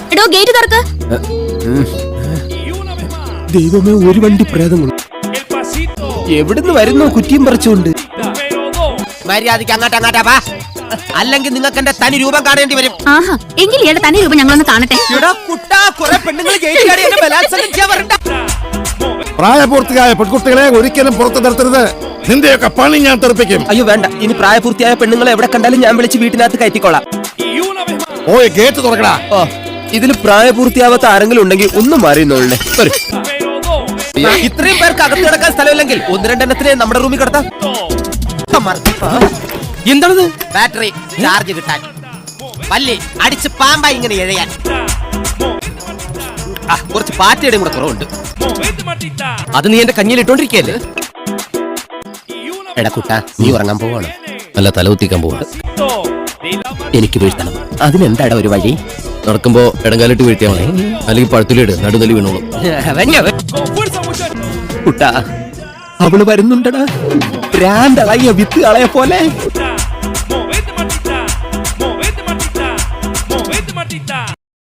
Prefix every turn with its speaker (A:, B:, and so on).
A: എടോ ഗേറ്റ് തുറക്ക്.
B: ദൈവമേ, ഒരു വണ്ടി പ്രേതങ്ങൾ എവിടുന്ന് വരുന്നു കുറ്റിയും പറിച്ചുകൊണ്ട്?
C: മര്യാദയ്ക്ക് അങ്ങോട്ടാ വാ, അല്ലെങ്കിൽ നിങ്ങൾക്ക് എന്റെ തനി രൂപം കാണേണ്ടി വരും.
A: ആഹാ, എങ്കിൽ ഇയാളുടെ തനി രൂപം ഞങ്ങളൊന്ന് കാണട്ടെ.
D: പ്രായപൂർത്തിയായ പെൺകുട്ടികളെ ഒരിക്കലും പുറത്തു നിർത്തരുത്. നിന്റെയൊക്കെ പണി ഞാൻ തെറിപ്പിക്കും.
B: അയ്യോ വേണ്ട, ഇനി പ്രായപൂർത്തിയായ പെണ്ണുങ്ങളെ എവിടെ കണ്ടാലും ഞാൻ വിളിച്ച് വീട്ടിനകത്ത് കയറ്റിക്കോളാം.
D: ഓയ് ഗേറ്റ് തുറക്കടാ.
B: ഓ, ഇതിൽ പ്രായപൂർത്തിയാവാത്ത ആരെങ്കിലും ഉണ്ടെങ്കിൽ ഒന്നും മാറിയുന്നോളേ.
C: ഇത്രയും പേർക്ക് അകത്ത് കിടക്കാൻ സ്ഥലമില്ലെങ്കിൽ ഒന്ന് രണ്ടെണ്ണത്തിനെ നമ്മുടെ റൂമിൽ കിടത്താം.
B: എന്താണത്?
C: ബാറ്ററി ചാർജ് കിട്ടാൻ, പല്ലി അടിച്ച് പാമ്പായി ഇങ്ങനെ എഴയാൻ, കുറച്ച് പാറ്റയുടെയും കൂടെ കുറവുണ്ട്.
B: അത് നീ എന്റെ കഞ്ഞിയിൽ ഇട്ടോണ്ടിരിക്കല്ലേ?
C: എടാ കുട്ടാ, നീ ഉറങ്ങാൻ പോവാണ്?
B: അല്ല, തലകുത്തിക്കാൻ പോവാ.
C: എനിക്ക് വീഴ്ത്തണം. അതിനെന്താടാ ഒരു വഴി?
B: നടക്കുമ്പോ ഇടങ്കാലിട്ട് വീഴ്ത്തിയാ മതി, അല്ലെങ്കിൽ പഴത്തിലിട്, നടുതലി വീണോളും.
C: കുട്ടാ, അവള് വരുന്നുണ്ടടാ, ഭ്രാന്തളയ വിത്ത് കളയ പോലെ.